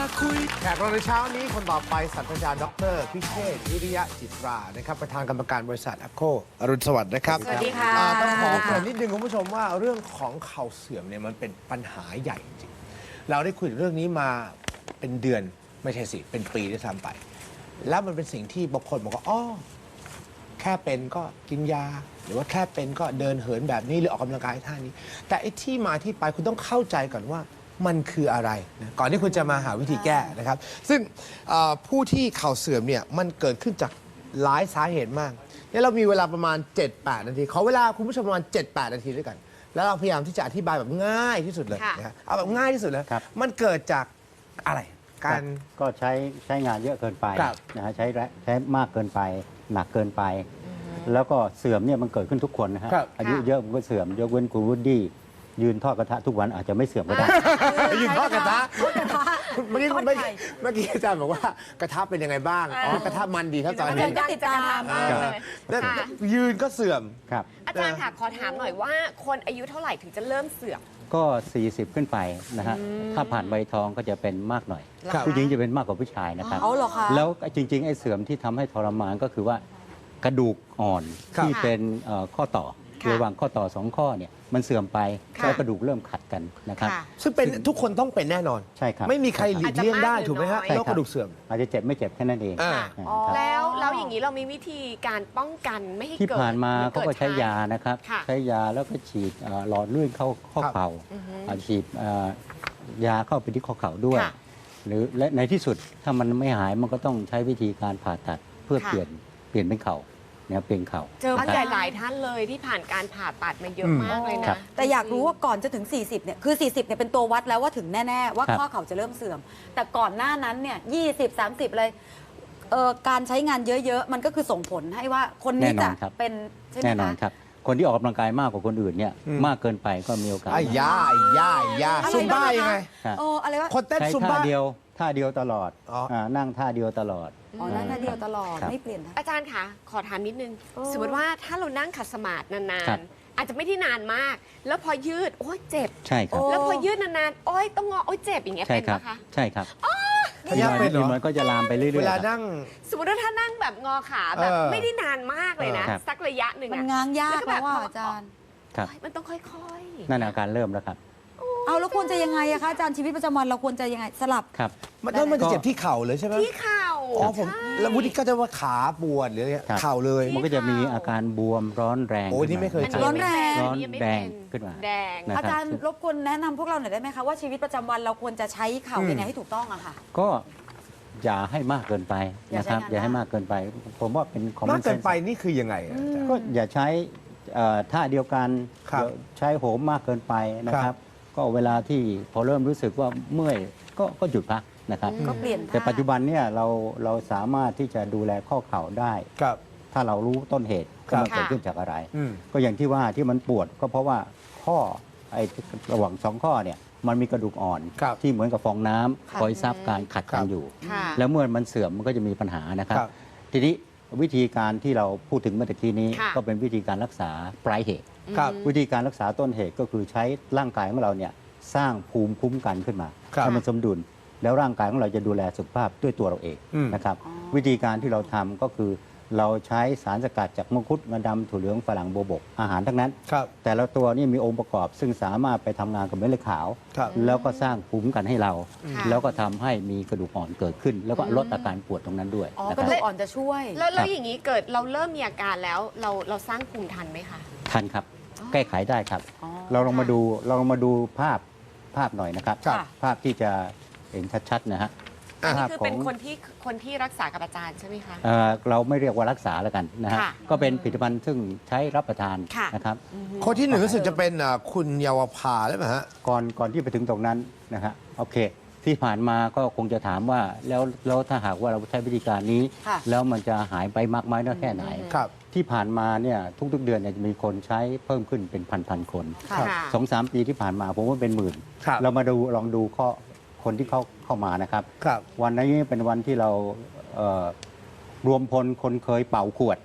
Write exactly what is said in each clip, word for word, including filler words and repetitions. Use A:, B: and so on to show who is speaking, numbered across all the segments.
A: คุยแขกรับในเช้านี้คนต่อไปศาสตราจารย์ดรพิเชษฐ์วิริยะจิตรานะครับประธานกรรมการบริษัทแอปโคอรุณสวัสดิ์นะครับ
B: สวัสดีค่ะ
A: อ่าต้องขอเกริ่นนิดนึงคุณผู้ชมว่าเรื่องของเข่าเสื่อมเนี่ยมันเป็นปัญหาใหญ่จริงๆเราได้คุยเรื่องนี้มาเป็นเดือนไม่ใช่สิเป็นปีด้วยซ้ำไป แล้วมันเป็นสิ่งที่บางคนบอกว่าอ๋อแค่เป็นก็กินยา หรือว่าแค่เป็นก็เดินเหินแบบนี้หรือออกกำลังกายท่านี้ แต่ไอ้ที่มาที่ไปคุณต้องเข้าใจก่อนว่ามันคืออะไรนะก่อนที่คุณจะมาหาวิธีแก้นะครับ ซึ่งเอ่อผู้ที่เข่าเสื่อมเนี่ยมันเกิดขึ้นจากหลายสาเหตุมากเนี่ยเรามีเวลาประมาณ เจ็ดแปด นาทีขอเวลาคุณผู้ชมประมาณ เจ็ดแปด นาทีด้วยกัน แล้วเราพยายามที่จะอธิบายแบบง่ายที่สุดเลย
B: ค่ะ
A: นะฮะเอาแบบง่ายที่สุดเลย
C: ครับ
A: มันเกิดจากอะไรการ
C: ก็ใช้ใช้งานเยอะเกินไป
A: ครับ
C: นะฮะใช้แรงใช้มากเกินไป หนักเกินไป แล้วก็เสื่อมเนี่ยมันเกิดขึ้นทุกคนนะฮะ
A: ครับ
C: อายุเยอะมันก็เสื่อมยกเว้นคุณวูดดี้ยืนทอดกระทะทุกวันอาจจะไม่เสื่อมก็ได้
A: ยืนทอดกระทะ
B: ทอดกระทะ
A: เมื่อกี้
B: ทอด
A: เมื่อ
B: ไข่
A: กี้เมื่อกี้อาจารย์บอกว่ากระทะเป็นยังไงบ้าง อ๋อกระทะมันดีครับตอน
B: อา
A: นี้
B: จารย์ก็ติดตาม
A: เอ
B: มาก
A: อ
B: เลย
A: แล้ว
B: ค่ะ
A: ยืนก็เสื่อม
C: ครับ
B: อาจารย์ค่ะขอถามหน่อยว่าคนอายุเท่าไหร่ถึงจะเริ่มเสื่อม
C: ก็ สี่สิบ ขึ้นไปนะฮะถ้าผ่านใบทองก็จะเป็นมากหน่อย
A: ครับ
C: ผู้หญิงจะเป็นมากกว่าผู้ชายนะครับ
B: เอาเหรอคะ
C: แล้วจริง ๆ ไอ้เสื่อมที่ทำให้ทรมานก็คือว่ากระดูกอ่อน
A: ครับ
C: ที่เป็นเอ่อข้อต่อ
B: ค่ะ
C: ระหว่างข้อต่อสองข้อเนี่ยมันเสื่อมไป
B: ค่ะ
C: แล้วกระดูกเริ่มขัดกันนะครับ
B: ค่ะ
A: ซึ่งเป็นทุกคนต้องเป็นแน่นอน
C: ใช่ครับ
A: ไม่มีใครหลีกเลี่ยงได้ถูกไหมฮะ
B: อาจจะมากหรือน้อย
A: โรคกระดูกเสื่อม
C: อาจจะเจ็บไม่เจ็บแค่นั้นเอง
A: อ่า
B: ค่ะ
C: ครับ
B: แล้วแล้วอย่างนี้เรามีวิธีการป้องกันไม่ให้
C: ที่
B: เกิด
C: ผ่านมา
B: หรือ
C: เขาก็ใช้ยานะครับ
B: ค่ะ
C: ใช้ยาแล้วก็ฉีดเอ่อหลอดเลื่อนเข้าข้อเข่า
B: อือฮึ
C: อ่าฉีดเอ่อยาเข้าไปที่ข้อเข่าด้วย
B: ค่ะ
C: หรือและในที่สุดถ้ามันไม่หายมันก็ต้องใช้วิธีการผ่าตัดเพื่อ
B: ค่ะ
C: เปลี่ยนเปลี่ยนเป็นเข่าเนี่ยเปลี่ยนเข่า
B: เจอผู้
C: นะ
B: ให
C: ค
B: ญ่
C: รับ
B: หลายท่านเลยที่ผ่านการผ่าตัดมาเยอะ
A: อืม
B: มากเลย
C: ครั
B: นะ
C: บ
D: แต่อยากรู้ว่าก่อนจะถึง สี่สิบ เนี่ย คือ สี่สิบ เนี่ย เป็นตัววัดแล้วว่าถึงแน่ ๆ ว่า
C: ครับ
D: ข้อเข่าจะเริ่มเสื่อม แต่ก่อนหน้านั้น เนี่ย ยี่สิบ สามสิบ เลยเอ่อการใช้งานเยอะ ๆ มันก็คือส่งผลให้ว่าคนนี้
C: แน่น
D: จะ
C: อนครับ
D: เป็น ใช่ไหม
C: แน่นอน
D: คะ
C: ครับ คนที่ออกกำลังกายมากกว่าคนอื่นเนี่ย
A: อืม
C: มากเกินไปก็มีโอกาส
A: ไอ้ยาไอ้ยาไอ้ยา
D: อะไร
A: ซุมบ้า
D: บ้างนะคะ
A: ยังไง
C: ครับ
D: เอออะไรวะ
A: คนเต้น
C: ใช้
A: ซุม
C: ท่า
A: บ้า
C: เดียวท่าเดียวตลอด
A: อ๋ออ่
C: านั่งท่าเดียวตลอด
D: อ๋อนั่นท่าเดียวตลอด
C: ครับ
D: ไม่เปลี่ยนท่า
B: อาจารย์คะขอถามนิดนึง
D: โอ้
B: สมมติว่าถ้าเรานั่งขัดสมาธินา
C: ครั
B: น
C: บ
B: ๆ อาจจะไม่ได้นานมาก แล้วพอยืด โอ้ยเจ็บ
C: ใช่ครับ
D: โอ้
B: แล้วพอยืดนานๆ โอ้ยต้องงอ โอ้ยเจ็บอย่างเงี้ย
C: ใช่
B: เป็น
C: ค
B: ไห
C: รั
B: ม
C: บ
B: คะ
C: ใช่ครับ
A: พยายามเป็นเหรอ
C: มันก็จะลามไปเรื่อยๆ
A: เวลา
C: ครับ
A: นั่ง
B: สมมติว่าถ้านั่งแบบงอขาแบบ
A: เออ
B: ไม่ได้นานมากเลยนะ
C: ครับ
B: สักระยะหนึ่ง
D: มัน
B: อะ
D: ง้างยาก
B: แล้วก็แบ
D: แล้
B: บ
D: วว่า
B: พอ
D: อาจารย์
C: ครับ
B: เฮ้ยมันต้องค่อยๆ
C: นั่นอาการเริ่มแล้วครับ
D: เอาแล้วควรจะยังไงอะคะอาจารย์ชีวิตประจำวันเราควรจะยังไงสลับ
C: ครับ
A: มันแล้วมันจะเจ็บที่เข่าเลยใช่ไหม
B: ที่เข่า
A: อ๋อผม
B: ใช่
A: แล้ววุฒิก็จะว่าขาปวดหรืออะไร
C: ครับ
A: เข่าเลย
C: มันก็จะมีอาการบวมร้อนแรง
A: โอ้ยนี่ไม่เคย
B: อัน
A: เจ
B: นี้
D: ร้อนแรง
B: ไม่เป็
C: ร้อน
B: ยังไม่
C: แดง
B: เป็น
C: ขึ้นมา
B: แดง
C: นะ
D: อาจารย์รบกวนแนะนำพวกเราหน่อยได้ไหมคะว่าชีวิตประจำวันเราควรจะใช้เข่า
A: อืม
D: ยังไงให้ถูกต้องอะค่ะ
C: ก็อย่าให้มากเกินไป
D: อย่า
C: นะ
D: ใช้
C: ครับ
D: งาน
C: อย่าให้
D: มาก
C: มากเกินไป ผมว่าเป็นคอมม
A: มา
C: อก นเซ
A: เกิ
C: น
A: น
C: ส์
A: ไปนี่คือยังไงอะอาจารย์
C: ก็อย่าใช้เอ่อท่าเดียวกัน
A: ครับ
C: อย่าใช้โหมมากเกินไปนะค
A: ครั
C: รับ
A: บ
C: ก็เวลาที่พอเริ่มรู้สึกว่าเมื่อยก็ก็หยุดพักนะครับ
D: ก็เปลี่ยนท่า
C: แต่ปัจจุบันเนี่ยเราเราสามารถที่จะดูแลข้อเข่าได้
A: ครับ
C: ถ้าเรารู้ต้นเหตุ
A: ครับ
C: ว่ามันเกิดขึ้นจากอะไร
A: อืม
C: ก็อย่างที่ว่าที่มันปวดก็เพราะว่าข้อไอ้ระหว่างสองข้อเนี่ยมันมีกระดูกอ่อน
A: ครับ
C: ที่เหมือนกับฟองน้ำ
D: ค่ะ
C: คอยซับการขัด
A: ครั
C: กับ นอยู่
B: ค่ะ
C: แล้วเมื่อมันเสื่อมมันก็จะมีปัญหานะครับ
A: ครับ
C: ทีนี้วิธีการที่เราพูดถึงเมื่อตะกี้นี้
B: ค่ะ
C: ก็เป็นวิธีการรักษาปลายเหตุ
A: ครับ
C: วิธีการรักษาต้นเหตุก็คือใช้ร่างกายของเราเนี่ยสร้างภูมิคุ้มกันขึ้นมา
A: ครับ
C: ให้มันสมดุล แล้วร่างกายของเราจะดูแลสุขภาพด้วยตัวเราเอง
A: อืม
C: นะครับ
D: อ๋อ
C: วิธีการที่เราทำก็คือเราใช้สารสกัดจากมังคุดงาดำถั่วเหลืองฝรั่งโบวบกอาหารทั้งนั้น
A: ครับ
C: แต่ละตัวนี่มีองค์ประกอบซึ่งสามารถไปทำงานกับเม็ดเลือดขาว
A: ครับ
C: แล้วก็สร้างภูมิคุ้มกันให้เรา
B: ค่ะ
C: แล้วก็ทำให้มีกระดูกอ่อนเกิดขึ้น แล้วก็ลดอาการปวดตรงนั้นด้วย
D: อ๋อ
C: นะ
D: ก
C: ค
D: ระ
C: รับ
D: ดูกอ่อนจะช่วย
B: แล้วแล้
C: ครั
B: ว
C: บ
B: อย่างนี้เกิดเราเริ่มมีอาการแล้วเราเราสร้างภูมิทันไหมคะ
C: ทันครับ แก้ไขได้ครับ
D: อ๋อ
C: เราลองมาดูเราลองมาดูภาพภาพหน่อยนะครับ
D: ครับ
C: ภาพที่จะเห็นชัดๆนะฮะ
B: อันนี้
C: ภาพ
B: คือ
C: ขอ
B: เป็น
C: ง
B: คนที่คนที่รักษากับอาจารย์ใช่ไหมคะ
C: เอ่อเราไม่เรียกว่ารักษาแล้วกันนะฮะ
B: ค่ะ
C: ก็เป็นผลิตภัณฑ์ซึ่งใช้รับประทาน
B: ค่ะ
C: นะครับ
A: คนที่หนึ่งรู้สึกจะเป็นอ่าคุณเยาวภาหรือเปล่าฮะ
C: ก่อนก่อนที่ไปถึงตรงนั้นนะฮะโอเค ที่ผ่านมาก็คงจะถามว่าแล้วแล้วถ้าหากว่าเราใช้วิธีการนี้
D: ค่ะ
C: แล้วมันจะหายไปมากไหมน้อยแค่ไหน
A: ครับ
C: ที่ผ่านมาเนี่ยทุกๆเดือนเนี่ยจะมีคนใช้เพิ่มขึ้นเป็นพันๆคน
D: ค่ะ
B: ค่ะ
C: สองสามปีที่ผ่านมาผมว่าเป็นหมื่น
A: ครับ
C: เรามาดูลองดูข้อคนที่เข้าเข้ามานะครับ
A: ครับ
C: วันนี้เป็นวันที่เราเอ่อรวมพลคนเคยเป่าขวด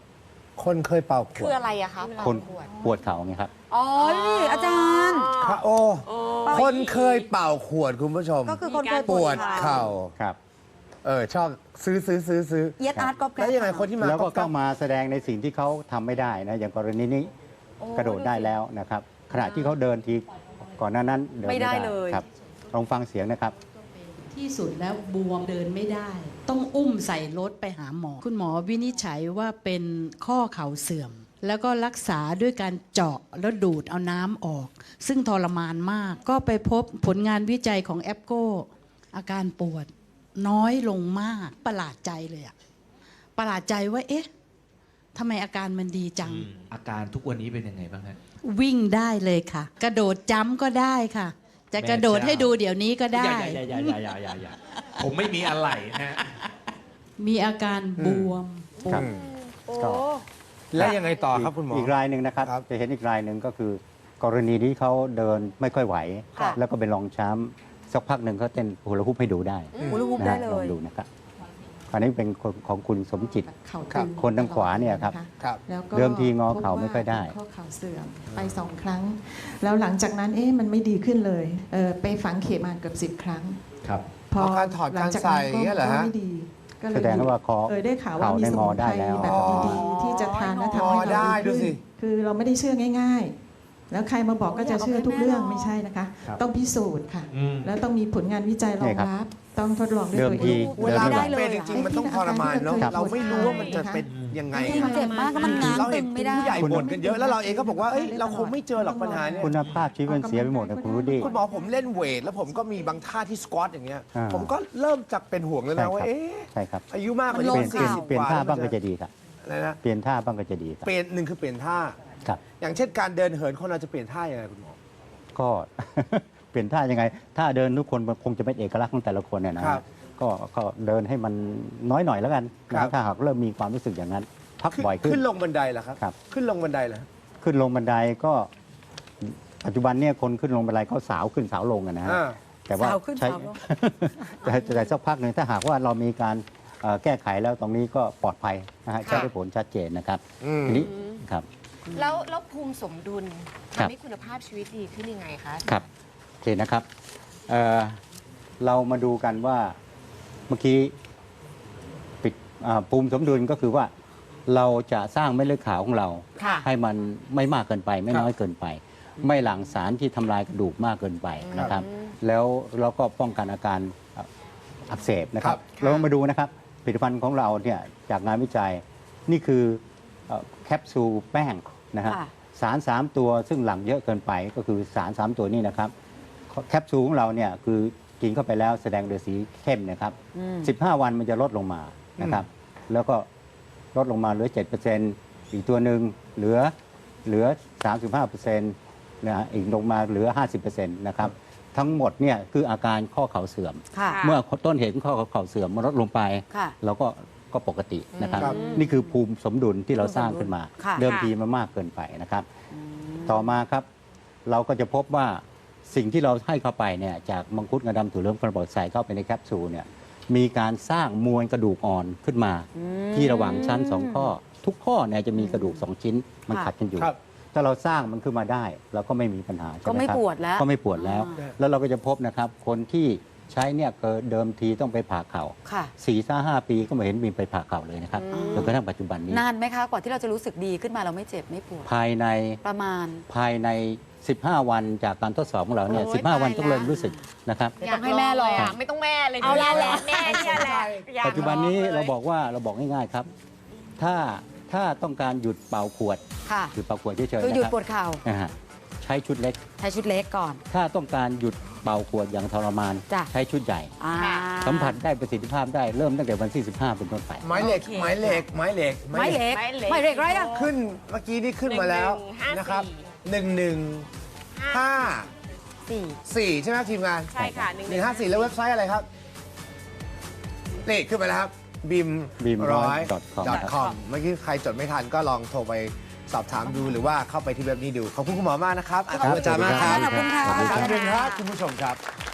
A: คนเคยเป่าข
B: คื
A: ว
B: อ
A: ด
B: อะไรอะคะ
C: คน
B: ขวด
C: ปวดเข่าไงครับ
D: อ๋อนี่อาจารย์
A: พระโอ คนเคยเป่าขวดคุณผู้ชม
D: ก็คือคนเคย
A: ปวดเข่า
C: ครับ
A: เออชอบซื้อซื้อซื้อซื้อ
D: เย็ดอาร์ตก๊อบแก๊
A: แล้ว
D: บ
A: ยังไงคนที่มา
C: แล้วก็
A: ก๊
C: เข้า
A: อบ
C: มาแสดงในสิ่งที่เขาทำไม่ได้นะอย่างกรณีนี้กระโดดได้แล้วนะครับขณะที่เขาเดินทีก่อนหน้านั้นเดิน
D: ไม่
C: ไม่
D: ได้
C: ได้
D: เลย
C: ครับลองฟังเสียงนะครับ
E: ที่สุดแล้วบวมเดินไม่ได้ ต้องอุ้มใส่รถไปหาหมอ คุณหมอวินิจฉัยว่าเป็นข้อเข่าเสื่อม แล้วก็รักษาด้วยการเจาะแล้วดูดเอาน้ำออก ซึ่งทรมานมาก ก็ไปพบผลงานวิจัยของแอปโกอาการปวดน้อยลงมากประหลาดใจเลยอะประหลาดใจว่าเอ๊ะทำไมอาการมันดีจัง
F: อาการทุกวันนี้เป็นยังไงบ้างฮะ
E: วิ่งได้เลยค่ะ กระโดดจ้ำก็ได้ค่ะ จะกระโดดให้ดูเดี๋ยวนี้ก็ได้
F: อย่าอย่าอย่าอย่าอย่าอย่าอย่าผมไม่มีอะไรฮะ
E: มีอาการบวมปว
C: ครั
E: ด
C: บ
B: โอ้
C: ก็
A: แล้วยังไงต่อครับคุณหมอ
C: อีกรายหนึ่งนะครับ
A: ครับ
C: จะเห็นอีกรายหนึ่งก็คือ กรณีที่เขาเดินไม่ค่อยไหว
D: ค่ะ
C: แล้วก็เป็นรองช้ำสักพักหนึ่งเขาเต้นฮูลาฮูปให้ดูได้
D: ฮูลาฮูป
C: นะ
D: ได้
C: ฮะ
D: เล
C: ลอง
D: ย
C: ดูนะครับอันนี้เป็นคนของคุณสมจิต
G: เข่า
A: ครั
G: ตึ
A: บ
G: ง
C: คนทางขวาเนี่ยครับ
G: ะะ
A: ครับ
G: แล้วก็
C: เดิมทีงอเข่าไม่ค่อยได้
G: พบว่าเป็นข้อเข่าเสื่อมไปสองครั้ง แล้วหลังจากนั้นเอ๊ะมันไม่ดีขึ้นเลยเออไปฝังเข็มมาเกือบสิบครั้ง
F: ครับ
G: พอ
A: อ๋อการถอด
G: หลังจาก
A: การใส่
G: นั้น
A: อย่างเงี้ยเหรอฮะ
G: ก็ไม่ดีก็เลย
C: แสดงว่าคอ
G: เออได้ข่าวว่า
C: เข่า
G: มี
C: ได้
G: ส
C: ง
G: มุ
C: อน
G: ไพ
C: ได้
G: ร
C: แล้ว
G: แบบดีๆที่จะทานและทำให้
A: อ๋อได้
G: เรา
A: ดู
G: ดี
A: สิ
G: ขึ้นคือเราไม่ได้เชื่อง่าย ๆ แล้วใครมาบอกก็จะเชื่อทุกเรื่องไม่ใช่นะคะ
F: ครับ
G: ต้องพิสูจน์ค่ะ
F: อืม
G: แล้วต้องมีผลงานวิจัยรอ
C: นี่
G: ง
C: ครับ
G: รับ ต้องทดลองด้วย
C: เดิม
G: ตัว
C: ที
G: เอง
A: เวลา
C: เดินไม่
A: มัน
C: ไหว
A: เป็นจริงๆมันต้องทรมานเนาะ
G: ครับ
A: เราไม่รู้ว่ามันจะเป็นยังไง
D: จริงเจ็บมากก็มันง้าง
A: เรา
D: ตึ
A: เห็น
D: งไม่ได้
A: ผู้ใหญ่บ่นกันเยอะแล้วเราเองก็บอกว่าเอ้ยเราคงไม่เจอหรอกปัญหาเนี่ย
C: คุณภาพชีวิตมันเสียไปหมดนะคุณรุดี้
A: คุณหมอผมเล่นเวท แล้วผมก็มีบางท่าที่สควอตอย่างเงี้ย
C: อ่า
A: ผมก็เริ่มจากเป็นห่วงแล้ว
C: ใช่
A: นะว่า
C: ครับ
A: เอ๊ะ
C: ใช่ครับ
A: อายุมากกว่า
D: มันล
C: เป
D: ง
C: ลี่ยนเปลี่ยน
D: ข่าว
C: เปลี่ยนท่าบ้างก็จะดีครับ
A: อะไรนะ
C: เปลี่ยนท่าบ้างก็จะดีครับ
A: เปลี่ยนหนึ่งคือเปลี่ยนท่า
C: ครับ
A: อย่างเช่นการเดินเหินคนเราจะเปลี่ยนท่ายังไงคุณหมอ
C: ก็ เปลี่ยนท่ายังไงท่าเดินทุกคนมันคงจะเป็นเอกลักษณ์ของแต่ละคนเนี่ยนะครับ ก็ก็เดินให้มันน้อยหน่อยแล้วกัน
A: ครั
C: นะ
A: บ
C: ถ้าหากเริ่มมีความรู้สึกอย่างนั้น พัก
A: ขึ้น
C: บ่อยขึ้น
A: ขึ้นลงบันไดเหรอครับ
C: ครับ
A: ขึ้นลงบันไดเหรอ
C: ขึ้นลงบันไดก็ปัจจุบันเนี่ยคนขึ้นลงบันไดก็สาวขึ้นสาวลงอะนะฮะ
A: อ่า
C: แต่ว่า
D: สาวขึ้น
C: ใช้
D: สาวลง
C: แต่แต่สักพักหนึ่งถ้าหากว่าเรามีการเอ่อแก้ไขแล้วตรงนี้ก็ปลอดภัยนะฮะใช้ได้ผลชัดเจนนะครับ
A: อืม
C: ทีนี้ครับ
B: แล้วแล้วภูมิสมดุล
C: ครับ
B: ทำให้คุณภาพชีวิตดีขึ้นยังไงคะ
C: ครับโอเคนะครับเอ่อเรามาดูกันว่าเมื่อกี้ปิดอ่าภูมิสมดุลก็คือว่าเราจะสร้างเม็ดเลือดขาวของเรา
B: ค่ะ
C: ให้มันไม่มากเกินไป ไม่
A: ครับ
C: น้อยเกินไป ไม่หลั่งสารที่ทำลายกระดูกมากเกินไปนะครับ แล้วเราก็ป้องกันอาการอักเสบนะครับ เรามาดูนะครับผลิตภัณฑ์ของเราเนี่ยจากงานวิจัยนี่คือเอ่อแคปซูลแป้งนะฮะ
D: ค่ะ
C: สาร สาม ตัวซึ่งหลั่งเยอะเกินไปก็คือสาร สาม ตัวนี้นะครับแคปซูลของเราเนี่ยคือกินเข้าไปแล้วแสดงโดยสีเข้มนะครับ
D: อืม
C: สิบห้า วันมันจะลดลงมานะครับ แล้วก็ลดลงมาเหลือ เจ็ดเปอร์เซ็นต์ อีกตัวหนึ่งเหลือเหลือ สามสิบห้าเปอร์เซ็นต์ นะฮะอีกลงมาเหลือ ห้าสิบเปอร์เซ็นต์ นะครับ ทั้งหมดเนี่ยคืออาการข้อเข่าเสื่อม
D: ค่ะ
C: เมื่อต้นเหตุของข้อเข่าเสื่อมมันลดลงไป
D: ค่ะ
C: เราก็ก็ปกตินะครับ
A: ครับ
C: นี่คือภูมิสมดุลที่เราสร้างขึ้นมา
D: ค่ะ
C: เดิมทีมันมากเกินไปนะครับ ต่อมาครับเราก็จะพบว่าสิ่งที่เราให้เข้าไปเนี่ยจากมังคุดงาดำถั่วเหลืองกระบอกใส่เข้าไปในแคปซูลเนี่ยมีการสร้างมวลกระดูกอ่อนขึ้นมา ที่ระหว่างชั้นสองข้อ ทุกข้อเนี่ยจะมีกระดูกสองชิ้นมัน
D: ค่ะ
C: ขัดกันอยู่
A: ครับ
C: ถ้าเราสร้างมันขึ้นมาได้เราก็ไม่มีปัญหาใช่
D: ก็
C: ไหม
D: ไม่
C: ครับ
D: ปวดแล้ว
C: ก็ไม่ปวดแล้ว
D: อ่า
C: แล้วเราก็จะพบนะครับคนที่ใช้เนี่ยเกิดเดิมทีต้องไปผ่าเข่า
D: ค่ะ
C: สี่ห้าห้าปีก็ไม่เห็นมีไปผ่าเข่าเลยนะครับ
D: อืม
C: จนกระทั่งปัจจุบันนี้
D: นานไหมคะกว่าที่เราจะรู้สึกดีขึ้นมาเราไม่เจ็บไม่ปวด
C: ภายใน
D: ประมาณ
C: ภายใน สิบห้า วันจากการทดสอบของเราเนี่ย
B: โอ้ย
C: สิบห้า วัน
B: ตาย
C: ต้องเริ่ม
B: แล้ว
C: รู้สึกนะครับ
D: ไม่ต้องให้แม่ลอง
B: ยากไม่ต้องแม่เลย
D: เอาละแหละ
B: แม่เนี่ยแหละอยาก
C: ปัจจุบันนี้
B: ลองลย
C: เราบอกว่าเราบอกง่ายๆครับ ถ้าถ้าต้องการหยุดเป่าขวด
D: ค่ะ
C: หยุดเป่าขวดเฉยๆ
D: คือ
C: นะ
D: หยุด
C: ครับ
D: ปวดเข่า
C: นะฮะใช้ชุดเล็ก
D: ใช้ชุดเล็กก่อน
C: ถ้าต้องการหยุดเป่าขวดอย่างทรมาน
D: จ้ะ
C: ใช้ชุดใหญ่
D: อ่า
C: สัมผัสได้ประสิทธิภาพได้เริ่มตั้งแต่วันที่สิบห้าเป็นต้นไป
A: ไม้เหล็ก
D: โอเค
A: ไม้เหล็กไม้เหล็ก
D: ไม้เหล็ก
B: ไม้เหล็ก
D: ไม้เหล็กไรอะ
A: ขึ้นเมื่อกี้นี่ขึ้นมาแล้ว
B: หนึ่งหนึ่งห้า
A: นะครับ
B: สี่
A: หนึ่งหนึ่งห้า
D: สี่
A: สี่ใช่ไหมครับทีมงาน
B: ใช่ค่ะ
A: หนึ่งห้าสี่แล้วเว็บไซต์อะไรครับนี่ขึ้นมาแล้วครับบิม
C: บีม
A: ร้อย
C: .com ครับ
A: .com เมื่อกี้ใครจดไม่ทันก็ลองโทรไปสอบถามดูหรือว่าเข้าไปที่เว็บนี้ดู ขอบคุณคุณหมอมากนะครับขอบคุณอาจารย์มากครับ
D: ขอบคุณค่ะ
A: ขอบคุณครับคุณผู้ชมครับ